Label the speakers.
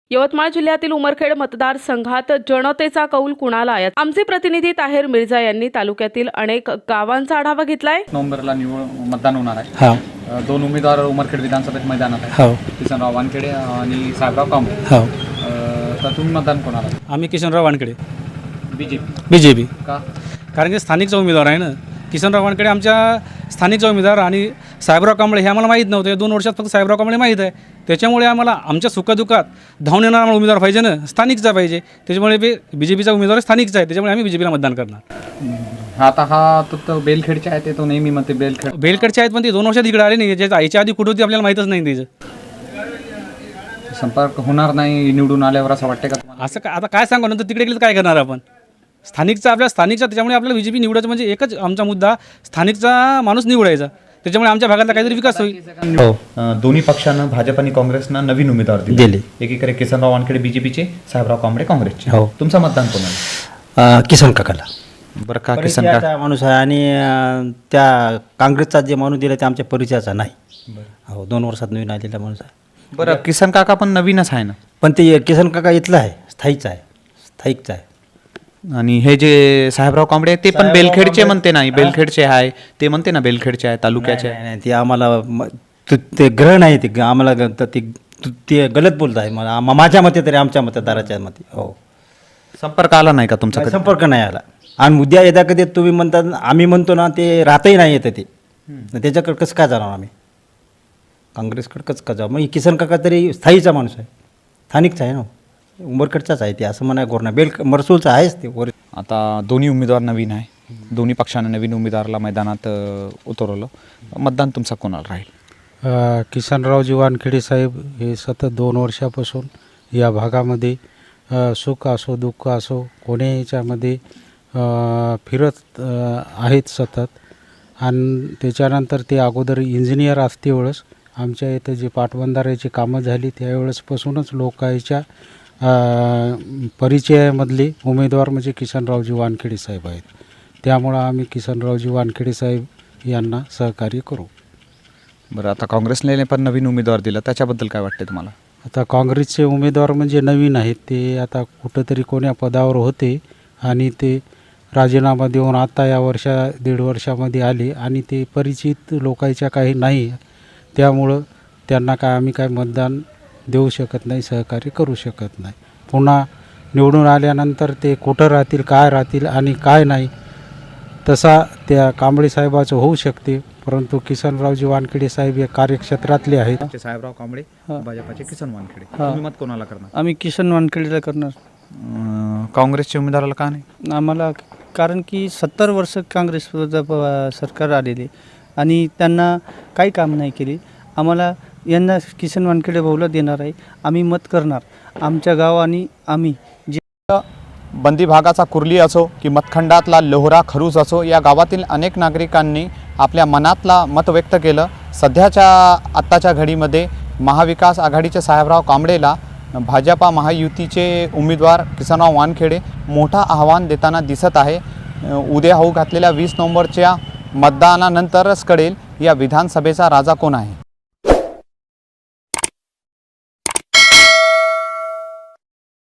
Speaker 1: यवतमाळ जिल्ह्यातील उमरखेड मतदारसंघात जनतेचा कौल कुणाला आहे? आमचे प्रतिनिधी ताहेर मिर्झा यांनी तालुक्यातील अनेक गावांचा आढावा घेतलाय.
Speaker 2: नोव्हेंबरला मतदान होणार आहे. दोन उमेदवार उमरखेड विधानसभेत मैदानात आहेत. किसनराव वानखेडे आणि साहेबराव कांबळे. तर तुम्ही मतदान कोणाला?
Speaker 3: आम्ही किसनराव वानखेडे.
Speaker 2: बीजेपी
Speaker 3: का? कारण की स्थानिकचा उमेदवार आहे ना. किसनराव वानखेडे आमच्या स्थानिकचा उमेदवार आणि साहेबराव कांबळे हे आम्हाला माहीत नव्हते. 2 वर्षात फक्त साहेबराव कांबळे माहीत आहे. त्याच्यामुळे आम्हाला आमच्या सुखदुःखात धावून येणारा आम्हाला उमेदवार पाहिजे ना, स्थानिकचा पाहिजे. त्याच्यामुळे बीजेपीचा उमेदवार स्थानिकचा आहे, त्याच्यामुळे आम्ही बीजेपीला मतदान करणार.
Speaker 2: आता हा तो बेलखेडचे आहे, ते तो नेहमी म्हणते
Speaker 3: बेलखेडचे आहेत, पण ते 2 वर्षात इकडे आले नाही. याच्या आधी कुठं होती आपल्याला माहीतच नाही. त्याचं
Speaker 2: संपर्क होणार नाही निवडून आल्यावर असं वाटतं का?
Speaker 3: असं का आता काय सांगू, नंतर तिकडे गेलं काय करणार आपण? स्थानिकचा त्याच्यामुळे आपल्याला बीजेपी निवडायचं म्हणजे एकच आमचा मुद्दा, स्थानिकचा माणूस निवडायचा. त्याच्यामुळे आमच्या भागातला काहीतरी विकास होईल.
Speaker 4: दोन्ही पक्षांना, भाजप आणि काँग्रेसनं नवीन उमेदवार दिले. एकीकडे किसनराव वानखेडे बीजेपीचे, साहेबराव कांबळे काँग्रेसचे. तुमचं मतदान कोणाला?
Speaker 5: किसन काकाला.
Speaker 4: बरं का? किसन काका
Speaker 5: माणूस आहे आणि त्या काँग्रेसचा जे माणूस दिला ते आमच्या परिचयाचा नाही. 2 वर्षात नवीन आलेला माणूस आहे.
Speaker 4: बरं, किसन काका पण नवीनच आहे ना?
Speaker 5: पण ते किसन काका इथला आहे, स्थायिकचा आहे.
Speaker 4: आणि हे जे साहेबराव कांबळे ते पण बेलखेडचे म्हणते नाही, बेलखेडचे आहे ते म्हणते ना, बेलखेडचे आहे, तालुक्याचे आहे.
Speaker 5: नाही, ते आम्हाला ते ग्रह नाही, ते आम्हाला ते गलत बोलत आहे. मला माझ्या मते तरी, आमच्या मतदाराच्या मते.
Speaker 4: संपर्क आला नाही का तुमचा?
Speaker 5: संपर्क नाही आला. आणि उद्या येता कधी तुम्ही म्हणतात, आम्ही म्हणतो ना, ते राहतही नाही येतं. ते त्याच्याकडे कसं काय जाणार आम्ही? काँग्रेसकडे कसं काय जाऊ? मग किसन काका तरी स्थायीचा माणूस आहे, स्थानिकचा आहे ना, उमरखेडचाच आहे. ते असं म्हणा गोरणा मरसूलचा आहेच ते.
Speaker 2: आता दोन्ही उमेदवार नवीन आहे, दोन्ही पक्षाने नवीन उमेदवाराला मैदानात उतरवलं. मतदान तुमचा कोणाला राहील?
Speaker 6: किसनरावजी वानखेडे साहेब हे सतत 2 वर्षापासून या भागामध्ये सुख असो दुःख असो कोणी याच्यामध्ये फिरत आहेत सतत. आणि त्याच्यानंतर ते अगोदर इंजिनियर असते वेळेस आमच्या इथं जे पाटबंधाऱ्याची कामं झाली त्यावेळेसपासूनच लोकांच्या परिचयामधले उमेदवार म्हणजे किसनरावजी वानखेडे साहेब आहेत. त्यामुळं आम्ही किसनरावजी वानखेडे साहेब यांना सहकार्य करू.
Speaker 2: बरं, आता काँग्रेसने पण नवीन उमेदवार दिला, त्याच्याबद्दल काय वाटते तुम्हाला?
Speaker 6: आता काँग्रेसचे उमेदवार म्हणजे नवीन आहेत. ते आता कुठंतरी कोण्या पदावर होते आणि ते राजीनामा देऊन आता या 1.5 वर्षामध्ये आले आणि ते परिचित लोकांच्या काही नाही. त्यामुळं त्यांना आम्ही काय मतदान देऊ शकत नाही, सहकार्य करू शकत नाही. पुन्हा निवडून आल्यानंतर ते कुठं राहतील, काय राहतील आणि काय नाही, तसा त्या कांबळे साहेबाचं होऊ शकते. परंतु किसनरावजी वानखेडे साहेब या कार्यक्षेत्रातले आहेत.
Speaker 2: साहेबराव कांबळे, भाजपाचे किसन वानखेडे. तुम्ही मत कोणाला करणार?
Speaker 7: आम्ही किसन वानखेडेला करणार.
Speaker 2: काँग्रेसच्या उमेदवाराला का नाही?
Speaker 7: आम्हाला कारण की 70 वर्ष काँग्रेस सरकार आलेले आणि त्यांना काही काम नाही केले. आम्हाला यांना किसन वानखेडे भाऊला देणार आहे. आम्ही मत करणार. आमच्या गावाने आम्ही जे
Speaker 2: बंदी भागाचा कुर्ली असो की मतखंडातला लोहरा खरूज असो, या गावातील अनेक नागरिकांनी आपल्या मनातला मत व्यक्त केलं. सध्याच्या आत्ताच्या घडीमध्ये महाविकास आघाडीचे साहेबराव कांबळेला भाजपा महायुतीचे उमेदवार किसनराव वानखेडे मोठा आव्हान देताना दिसत आहे. उद्या होऊ घातलेल्या 20 नोव्हेंबरच्या मतदानानंतरच कळेल या विधानसभेचा राजा कोण आहे.